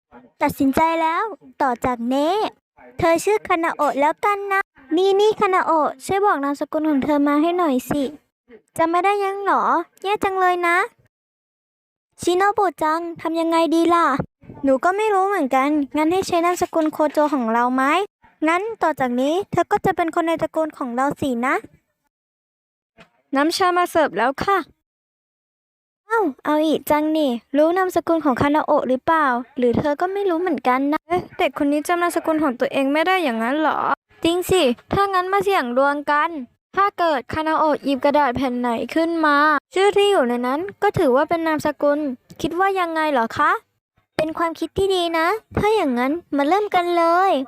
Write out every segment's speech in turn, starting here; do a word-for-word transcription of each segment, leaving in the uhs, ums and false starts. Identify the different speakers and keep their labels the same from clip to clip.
Speaker 1: ตัดสินใจแล้ว ต่อจากนี้เธอชื่อคานาโอะแล้วกันนะ นี่นี่คานาโอะช่วยบอกนามสกุลของเธอมาให้หน่อยสิจำไม่ได้ยังหรอ แย่จังเลยนะ ชิโนบุจังทำยังไงดีล่ะ หนูก็ไม่รู้เหมือนกัน งั้นให้ใช้นามสกุลโคโจของเราไหม งั้นต่อจากนี้เธอก็จะเป็นคนในตระกูลของเราสินะ น้ำชามาเสิร์ฟแล้วค่ะ เอ้า เอาอีกจังนี่ รู้นามสกุลของคานาโอะหรือเปล่า หรือเธอก็ไม่รู้เหมือนกันนะเอ๊ะเด็กคนนี้จำนามสกุลของตัวเองไม่ได้อย่างนั้นเหรอ จริงสิ ถ้างั้นมาเสี่ยงดวงกัน ถ้าเกิดคานาโอะหยิบกระดาษแผ่นไหนขึ้นมา ชื่อที่อยู่ในนั้นก็ถือว่าเป็นนามสกุล คิดว่ายังไงเหรอคะ เป็นความคิดที่ดีนะ ถ้าอย่างนั้นมาเริ่มกันเลย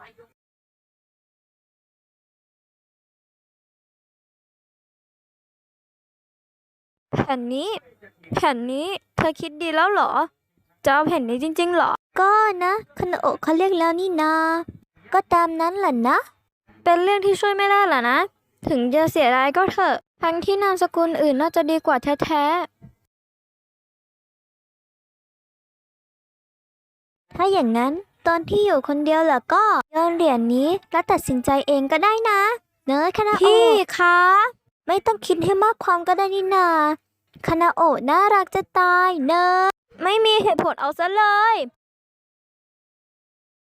Speaker 1: แผ่นนี้ แผ่นนี้ เธอคิดดีแล้วเหรอ จะเอาแผ่นนี้จริงๆเหรอ ก็นะคานาโอะเขาเรียกแล้วนี่นา ก็ตามนั้นแหละนะ เป็นเรื่องที่ช่วยไม่ได้ล่ะนะ ถึงจะเสียดายก็เถอะ ทั้งที่นามสกุลอื่นน่าจะดีกว่าแท้ๆ ถ้าอย่างนั้นตอนที่อยู่คนเดียวล่ะก็โยนเหรียญนี้แล้วตัดสินใจเองก็ได้นะ เนอะคานาโอะพี่คะ ไม่ต้องคิดให้มากความก็ได้นี่นาคานาโอะน่ารักจะตายเนอะไม่มีเหตุผลเอาซะเลย